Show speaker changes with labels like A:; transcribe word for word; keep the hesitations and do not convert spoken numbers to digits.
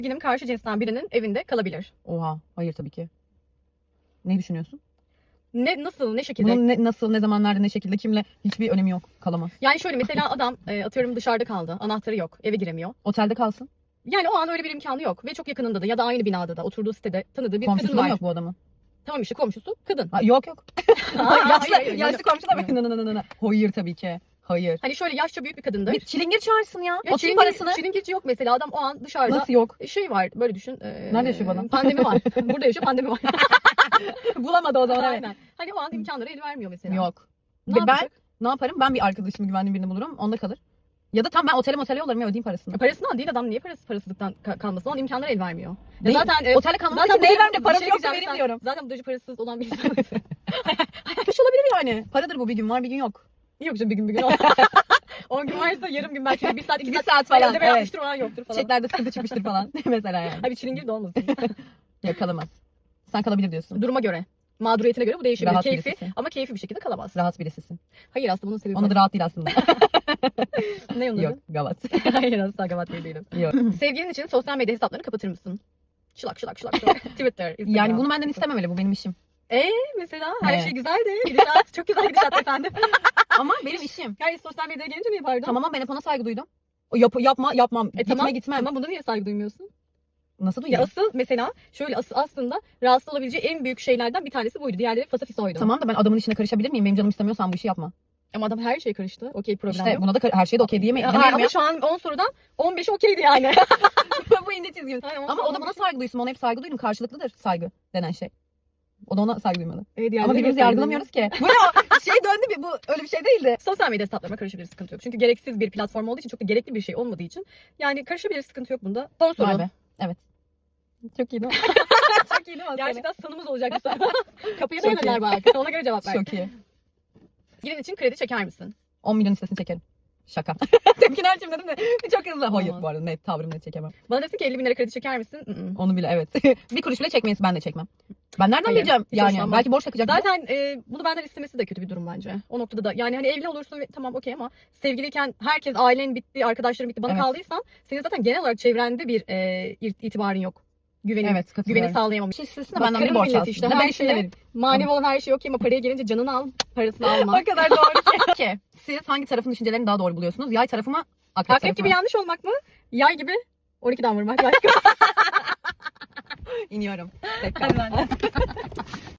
A: Sevgilim karşı cinsten birinin evinde kalabilir.
B: Oha. Hayır tabii ki. Ne düşünüyorsun?
A: Ne nasıl ne şekilde?
B: Bunun ne, nasıl, ne zamanlarda, ne şekilde, kimle hiçbir önemi yok. Kalamaz.
A: Yani şöyle mesela adam e, atıyorum dışarıda kaldı. Anahtarı yok. Eve giremiyor.
B: Otelde kalsın.
A: Yani o an öyle bir imkanı yok ve çok yakınında da ya da aynı binada da oturduğu sitede tanıdığı bir
B: Komşusu
A: kadın
B: da mı
A: var.
B: yok bu adamın?
A: Tamam işte komşusu kadın.
B: Ha, yok yok.
A: Aa,
B: yaşlı
A: hayır, hayır,
B: yaşlı
A: yani-
B: komşu da mı? Nı nı nı nı nı. Hayır tabii ki. Hayır.
A: Hani şöyle yaşça büyük bir kadındır.
B: Bir çilingir çağırsın ya.
A: Ya
B: Oturun
A: çilingir-
B: parasını.
A: Çilingirci yok mesela adam o an dışarıda.
B: Nasıl yok?
A: Şey var böyle düşün. E,
B: Nerede yaşıyor bu adam?
A: Pandemi var. Burada yaşıyor pandemi var.
B: Bulamadı o zaman. Evet.
A: Aynen. Hani o an imkanları el vermiyor mesela.
B: Yok.
A: Ne
B: Ve ben
A: yapacak?
B: ne yaparım? Ben bir arkadaşımı güvendiğim birini bulurum. Onda kalır. Ya da tam ben otele motele yollarım ya ödeyeyim parasını.
A: E, Parasından değil adam niye parası parasızlıktan ka- kalmasın? O an imkanları el vermiyor. Ya
B: Değil.
A: zaten e,
B: Otelde kalmak
A: zaten
B: için neyi
A: bu-
B: vermem de
A: bir
B: parası
A: şey
B: yok da
A: diyeceğim,
B: vereyim
A: sen-
B: diyorum.
A: Zaten bu derece parasız olan bir insan.
B: Kış olabilir yani. Paradır bu, bir gün var bir gün yok.
A: Yok canım bir gün bir gün. on gün varsa yarım gün belki bir saat iki
B: Bir
A: saat,
B: saat
A: falan.
B: falan,
A: Ödeme
B: evet.
A: yapmıştır o an yoktur falan.
B: Çiçeklerde sıkıntı çıkmıştır falan. Mesela yani.
A: Abi çilingir de olmasın.
B: Yok kalamaz. Sen kalabilir diyorsun.
A: Duruma göre. Mağduriyetine göre bu değişebilir.
B: Rahat
A: Keyfi
B: birisisin.
A: ama keyfi bir şekilde kalamaz.
B: Rahat birisisin.
A: Hayır aslında bunun sebebi
B: Onun da rahat değil aslında.
A: ne onun
B: Yok
A: adı?
B: gavat.
A: Hayır asla gavat değil değilim.
B: Yok.
A: Sevgilin için sosyal medya hesaplarını kapatır mısın? Şılak şılak şılak şılak. Twitter, Instagram.
B: Yani bunu benden istememeli, bu benim işim.
A: Mesela her
B: Evet.
A: şey güzeldi. Gidişat çok güzel gidişat efendim.
B: Ama benim işim.
A: Yani sosyal medyaya gelince mi yapardın?
B: Tamam ama ben hep ona saygı duydum. O yap, yapma yapmam.
A: E,
B: Gitme
A: tamam,
B: gitmem.
A: Ama buna niye saygı duymuyorsun?
B: Nasıl
A: Ya
B: duyuyorum?
A: asıl mesela şöyle asıl aslında rahatsız olabileceği en büyük şeylerden bir tanesi buydu. Diğerleri fasafisoydu.
B: Tamam da ben adamın işine karışabilir miyim? Benim canım istemiyorsan bu işi yapma.
A: Ama adam her şeye karıştı. Okey problem
B: İşte
A: yok.
B: buna da kar- her şeye de okey diyemeyiz.
A: Ya,
B: Demiyorum
A: ama
B: ya.
A: şu an on sorudan on beşi okeydi yani.
B: Bu ince çizgim.
A: Aynen, on
B: Ama
A: sorudan
B: o da bana
A: on beşi.
B: saygı duysun. Ona hep saygı duydum. Karşılıklıdır saygı denen şey. O da ona saygı duymalı.
A: Evet, yani
B: Ama birbirimizi
A: saygı
B: yargılamıyoruz ki. Bu ne o? Şey döndü bir, bu öyle bir şey değildi.
A: Sosyal medya hesaplarıma karışabilir sıkıntı yok. Çünkü gereksiz bir platform olduğu için çok da gerekli bir şey olmadığı için. Yani karışabilir sıkıntı yok bunda. Son soru.
B: Vay be. Evet. Çok iyi değil mi? Çok iyi değil mi?
A: Gerçekten sanımız olacak bu soru. Kapıya
B: Çok
A: dayanırlar
B: iyi.
A: bak. Ona göre cevap ver.
B: Çok iyi.
A: Sevgilin için kredi çeker misin?
B: on milyon listesini çekerim. Şaka. Tepkini ölçüm dedim de çok hızlı. Hayır
A: Olmaz.
B: bu arada net tavrım net çekemem.
A: Bana desin ki elli bin lira kredi çeker misin? Mm-mm.
B: Onu bile evet. Bir kuruş bile çekmeyiz, ben de çekmem. Ben nereden
A: Hayır,
B: bileceğim?
A: hiç
B: Yani
A: hoşlanmam.
B: belki borç takacak.
A: Zaten e, bunu benden istemesi de kötü bir durum bence. O noktada da yani hani evli olursun ve tamam okey ama sevgiliyken herkes ailen bitti, arkadaşların bitti. Bana
B: Evet.
A: kaldıysan senin zaten genel olarak çevrende bir e, ir- itibarın yok. Güvenin,
B: Evet
A: güveni
B: katılıyorum.
A: sağlayamamış.
B: Bir şey istesin de
A: Bak,
B: benden bir
A: karın
B: borç
A: milleti
B: alsın.
A: işte,
B: Ne
A: her
B: ben işine
A: şeye-
B: vereyim.
A: Manevi olan her şey okey ama paraya gelince canını al, parasını alma.
B: O kadar doğru ki. Peki siz hangi tarafın düşüncelerini daha doğru buluyorsunuz? Yay tarafı mı? Akrep,
A: Akrep
B: tarafı
A: gibi
B: mı?
A: yanlış olmak mı? Yay gibi on ikiden vurmak. Başka.
B: İniyorum.
A: Hadi ben de.